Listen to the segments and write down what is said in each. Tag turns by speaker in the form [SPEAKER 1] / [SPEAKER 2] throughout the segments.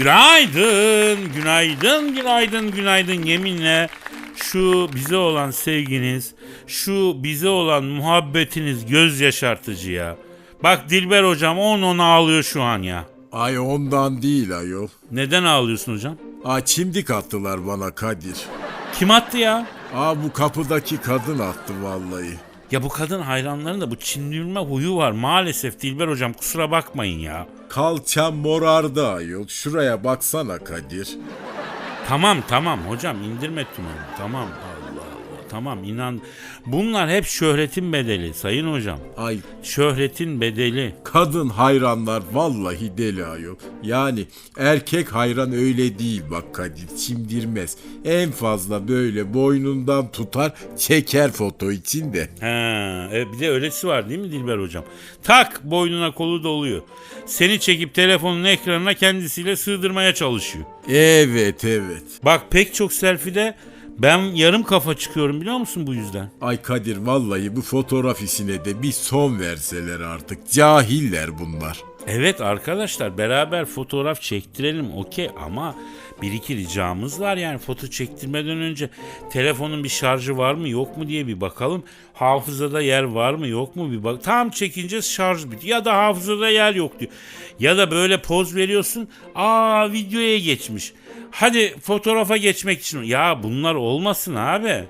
[SPEAKER 1] Günaydın, günaydın, günaydın, günaydın. Yeminle şu bize olan sevginiz, şu bize olan muhabbetiniz göz yaşartıcı ya. Bak Dilber hocam on ağlıyor şu an ya.
[SPEAKER 2] Ay ondan değil ayol.
[SPEAKER 1] Neden ağlıyorsun hocam?
[SPEAKER 2] Çimdik attılar bana Kadir.
[SPEAKER 1] Kim attı ya?
[SPEAKER 2] Bu kapıdaki kadın attı vallahi.
[SPEAKER 1] Ya bu kadın hayranların da bu çimdirme huyu var maalesef Dilber hocam, kusura bakmayın ya.
[SPEAKER 2] Kalçam morardı ayol. Şuraya baksana Kadir.
[SPEAKER 1] Tamam hocam, indirme tümörü. Tamam, Allah Allah, tamam, inan. Bunlar hep şöhretin bedeli sayın hocam.
[SPEAKER 2] Ay
[SPEAKER 1] Şöhretin bedeli.
[SPEAKER 2] kadın hayranlar vallahi deli ayol. Yani erkek hayran öyle değil bak Kadir, çimdirmez. En fazla böyle boynundan tutar çeker foto için de.
[SPEAKER 1] Bir de öylesi var değil mi Dilber hocam? Tak boynuna kolu doluyor. Seni çekip telefonun ekranına kendisiyle sığdırmaya çalışıyor.
[SPEAKER 2] Evet.
[SPEAKER 1] Bak pek çok selfie'de ben yarım kafa çıkıyorum biliyor musun bu yüzden?
[SPEAKER 2] Ay Kadir vallahi bu fotoğraf işine de bir son verseler artık. Cahiller bunlar.
[SPEAKER 1] Evet arkadaşlar, beraber fotoğraf çektirelim okey, ama bir iki ricamız var. Yani foto çektirmeden önce telefonun bir şarjı var mı yok mu diye bir bakalım. Hafızada yer var mı yok mu bir bak. Tam çekince şarj bitiyor ya da hafızada yer yok diyor. Ya da böyle poz veriyorsun, videoya geçmiş. Hadi fotoğrafa geçmek için. Ya bunlar olmasın abi.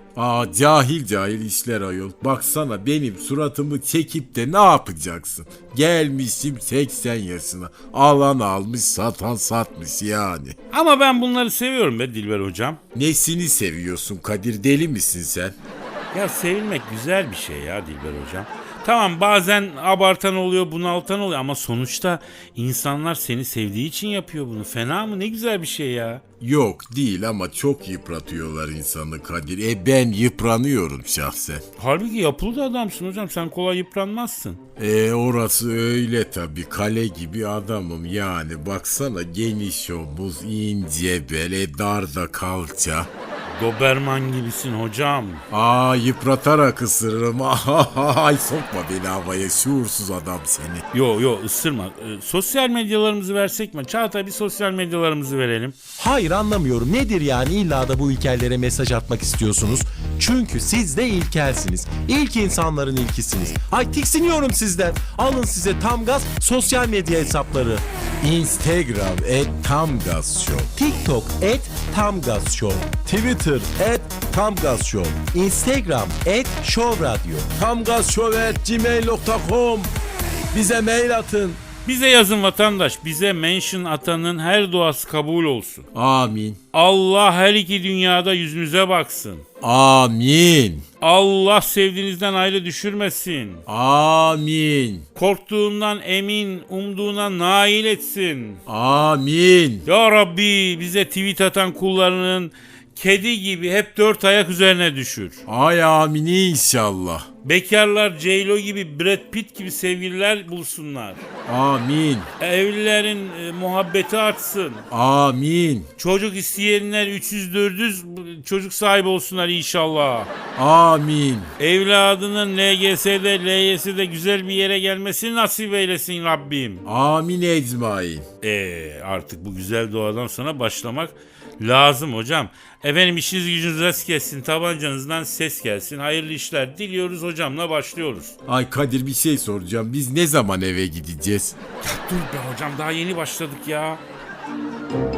[SPEAKER 2] Cahil işler ayol. Baksana benim suratımı çekip de ne yapacaksın? Gelmişim 80 yaşına. Alan almış, satan satmış yani.
[SPEAKER 1] Ama ben bunları seviyorum be Dilber hocam.
[SPEAKER 2] Nesini seviyorsun Kadir, deli misin sen?
[SPEAKER 1] Ya sevilmek güzel bir şey ya Dilber hocam. Tamam bazen abartan oluyor, bunaltan oluyor ama sonuçta insanlar seni sevdiği için yapıyor bunu. Fena mı? Ne güzel bir şey ya.
[SPEAKER 2] Yok değil ama çok yıpratıyorlar insanı Kadir. Ben yıpranıyorum şahsen.
[SPEAKER 1] Halbuki yapılı da adamsın hocam, sen kolay yıpranmazsın.
[SPEAKER 2] Orası öyle tabii, kale gibi adamım yani. Baksana geniş omuz, ince bel, dar da kalça.
[SPEAKER 1] Doberman gibisin hocam.
[SPEAKER 2] Yıpratarak ısırırım. Ay sokma beni havaya, şuursuz adam seni.
[SPEAKER 1] Yo ısırma. Sosyal medyalarımızı versek mi? Çağatay bir sosyal medyalarımızı verelim.
[SPEAKER 3] Hayır anlamıyorum. Nedir yani illa da bu ilkellere mesaj atmak istiyorsunuz? Çünkü siz de ilkelsiniz. İlk insanların ilkisiniz. Ay tiksiniyorum sizden. Alın size tam gaz sosyal medya hesapları.
[SPEAKER 2] Instagram @tamgazshow.
[SPEAKER 3] TikTok @tamgazshow. Twitter @tamgazshow. Instagram @showradio.
[SPEAKER 2] Tamgazshow@gmail.com. Bize mail atın.
[SPEAKER 1] Bize yazın vatandaş. Bize mention atanın her duası kabul olsun.
[SPEAKER 2] Amin.
[SPEAKER 1] Allah her iki dünyada yüzünüze baksın.
[SPEAKER 2] Amin.
[SPEAKER 1] Allah sevdiğinizden ayrı düşürmesin.
[SPEAKER 2] Amin.
[SPEAKER 1] Korktuğundan emin, umduğuna nail etsin.
[SPEAKER 2] Amin.
[SPEAKER 1] Ya Rabbi bize tweet atan kullarının kedi gibi hep dört ayak üzerine düşür.
[SPEAKER 2] Ay amin inşallah.
[SPEAKER 1] Bekarlar J-Lo gibi, Brad Pitt gibi sevgililer bulsunlar.
[SPEAKER 2] Amin.
[SPEAKER 1] Evlilerin muhabbeti artsın.
[SPEAKER 2] Amin.
[SPEAKER 1] Çocuk isteyenler 300-400 çocuk sahibi olsunlar inşallah.
[SPEAKER 2] Amin.
[SPEAKER 1] Evladının LGS'de, LYS'de güzel bir yere gelmesini nasip eylesin Rabbim.
[SPEAKER 2] Amin ecmain.
[SPEAKER 1] Artık bu güzel duadan sonra başlamak lazım hocam. Efendim işiniz gücünüz rast gelsin, tabancanızdan ses gelsin. Hayırlı işler diliyoruz hocamla başlıyoruz.
[SPEAKER 2] Ay Kadir bir şey soracağım. Biz ne zaman eve gideceğiz?
[SPEAKER 1] Dur be hocam, daha yeni başladık ya.